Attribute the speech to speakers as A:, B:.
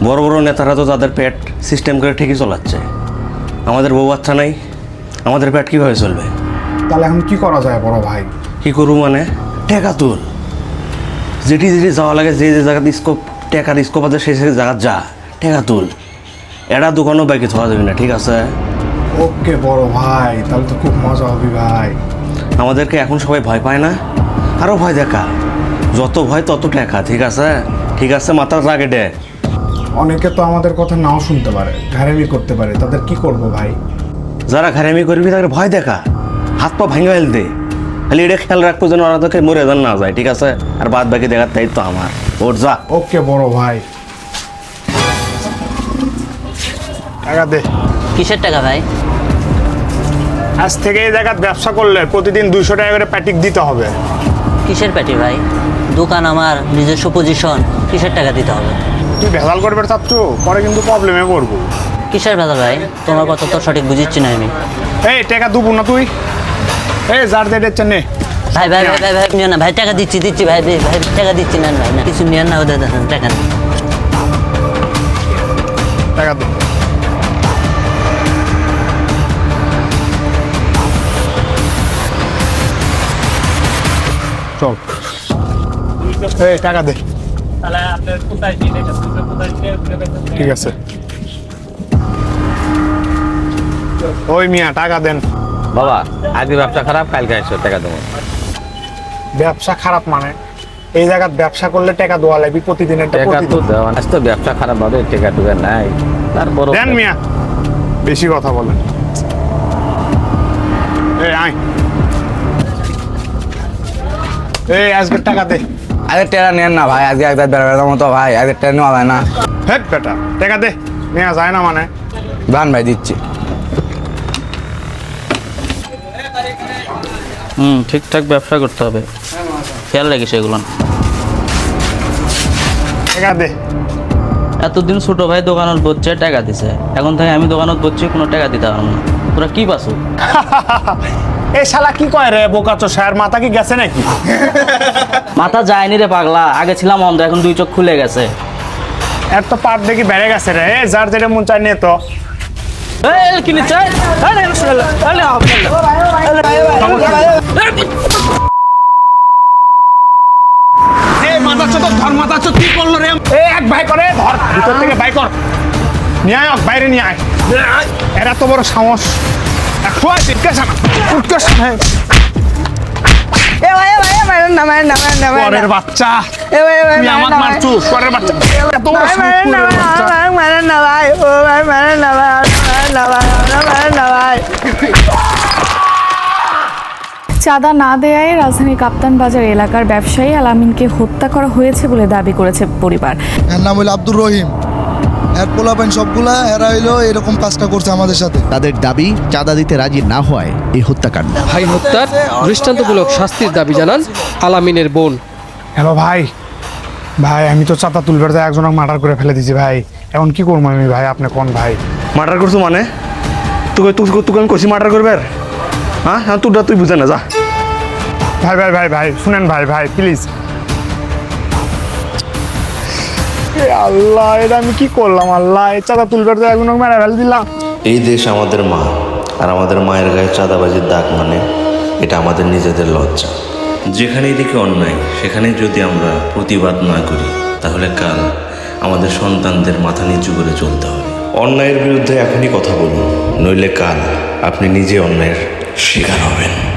A: বড় বড় নেতারা তো তাদের পেট সিস্টেম করে ঠিকই চালাচ্ছে, আমাদের বউ বাচ্চা নাই, আমাদের পেট কীভাবে চলবে?
B: তাহলে এখন কি করা যায় বড় ভাই?
A: কী করবো মানে? টেকা তুল, যেটি যাওয়া লাগে, যে জায়গাতে স্কোপ টেকার স্কোপ আছে সেই জায়গা যা, টেকা তুল। এটা দোকানও বাইকে থাকা যাবে না, ঠিক আছে?
B: ওকে বড় ভাই, তাহলে তো খুব মজা হবে ভাই।
A: আমাদেরকে এখন সবাই ভয় পায় না, আরও ভয় দেখা, যত ভয় তত টেকা, ঠিক আছে? ঠিক আছে, মাথার রাগে ডে।
B: অনেকে তো আমাদের কথা নাও শুনতে পারে, ঘাড়ামি করতে পারে, তাদের কি করব ভাই?
A: যারা ঘাড়ামি করবি তাদের ভয় দেখা, হাত পা ভাঙা ফেল দে, খালি এটা খেয়াল রাখবো যেন ওরা তোকে মরে যান না যায়, ঠিক আছে? আর বাদ বাকি দেখার দায়িত্ব আমার। ওর যা।
B: ওকে বড় ভাই, টাকা দে।
C: কিসের টাকা ভাই?
B: আজ থেকে এই জায়গায় ব্যবসা করলে প্রতিদিন 200 টাকা করে প্যাটিক দিতে হবে।
C: কিসের প্যাটি ভাই? দোকান আমার, নিজস্ব পজিশন, কিসের টাকা দিতে হবে?
B: তুই ভেজাল করবে চাচ্ছু, পরে কিন্তু প্রবলেমে পড়বো।
C: কিসের ভেজাল ভাই? তোমার কথা তো সঠিক বুঝিচ্ছি না আমি।
B: এই টাকা দেবো না তুই, এই যার দেড় নে।
C: ভাই ভাই ভাই ভাই ভাই নিও না ভাই, টাকা দিচ্ছি ভাই ভাই ভাই, টাকা দিচ্ছি না ভাই, না কিছু নিয়ে না, ওদের দেখেন টাকা নেই।
B: টাকা দে। চল, এই টাকা দে। ঠিক আছে, ওই মিয়া টাকা দেন।
D: বাবা আজকে ব্যবসা খারাপ, কালকে এসো টাকা দেবো।
B: ব্যবসা খারাপ মানে? এই জায়গায় ব্যবসা করলে টাকা দেওয়া লাগবে প্রতিদিন, একটা
D: টাকা তো
B: প্রতিদিন
D: দেওয়া, আজ তো ব্যবসা খারাপ হবে, টাকা টুকা নাই, তারপর
B: দেন মিয়া, বেশি কথা বলেন। এই আয়, এই আজকে টাকা দে।
E: আরে টেরা নেন না ভাই, আজকে একবার বেড়াবেড়ার মতো ভাই, আজকে টেরা নেওয়া যায় না।
B: হেট বেটা, টাকা দে। নেওয়া যায় না মানে?
E: বান ভাই দিচ্ছি।
F: ঠিকঠাক ব্যবসা করতে হবে, খেয়াল রাখিস এগুলো।
B: টাকা দে।
F: এতদিন ছোট ভাই দোকানত বসছে, টাকা দিছে, এখন থেকে আমি দোকানত বসছি, কোনো টাকা দিতে পারবো না। তোরা কি পাসু?
B: এই শালা কি কয় রে বোকাচো, স্যার মাথা কি গেছে নাকি?
F: মাথা যায়নি রে পাগলা, আগে ছিলাম অন্ধ, এখন 2 চোখ খুলে গেছে।
B: এর তো পাট দেখি বেড়ে গেছে রে। এই যার যেটা মন চাই নে তো। এই মাথা চোদ ধর, মাথা চোদ কি করলো রে? এই এক ভাই করে ধর, ভিতর থেকে বাই কর, নিয়ে আয়, বাইরে নিয়ে আয়। এরা তো বড় সাহস। একশো আয়, উৎকেশ না। পরের বাচ্চা, তুই আমাকে মারছুস, পরের বাচ্চা। এত বড় সাহস পরের বাচ্চা।
G: চাঁদা না দেয়ায় রাজধানীর কাপ্তান বাজার এলাকার ব্যবসায়ী আলামিনকে হত্যা করা হয়েছে বলে দাবি করেছে পরিবার।
H: এর নাম হইল আব্দুর রহিম, এর পোলাপাইন সবগুলা এরা হইলো এরকম কাজটা করছে আমাদের সাথে।
I: তাদের দাবি চাঁদা দিতে রাজি না হয় এই হত্যাকাণ্ড।
J: ভাই হত্যার দৃষ্টান্তমূলক শাস্তির দাবি জানান আলামিনের বোন।
B: হ্যালো ভাই, ভাই আমি তো চাঁদা তুলবার যায় একজনকে মার্ডার করে ফেলে দিছি ভাই, এখন কি করবো আমি ভাই? আপনি কোন ভাই?
A: মার্ডার করছো মানে? তুই আমি কষি মার্ডার করবে? হ্যাঁ হ্যাঁ, তুই বুঝে না, যা।
B: ভাই ভাই ভাই ভাই শুনেন ভাই, ভাই প্লিজ। আল্লাহ, এটা আমি কি করলাম? আল্লাহ, এই চাঁদা তুলবার যায় একজনকে মেরে ফেলে দিলাম।
K: এই দেশ আমাদের মা, আর আমাদের মায়ের গায়ে চাঁদাবাজির দাগ মানে এটা আমাদের নিজেদের লজ্জা। যেখানেই দেখি অন্যায়, সেখানেই যদি আমরা প্রতিবাদ না করি, তাহলে কাল আমাদের সন্তানদের মাথা নিচু করে চলতে হবে। অন্যায়ের বিরুদ্ধে এখনই কথা বলুন, নইলে কাল আপনি নিজে অন্যায়ের শিকার হবেন।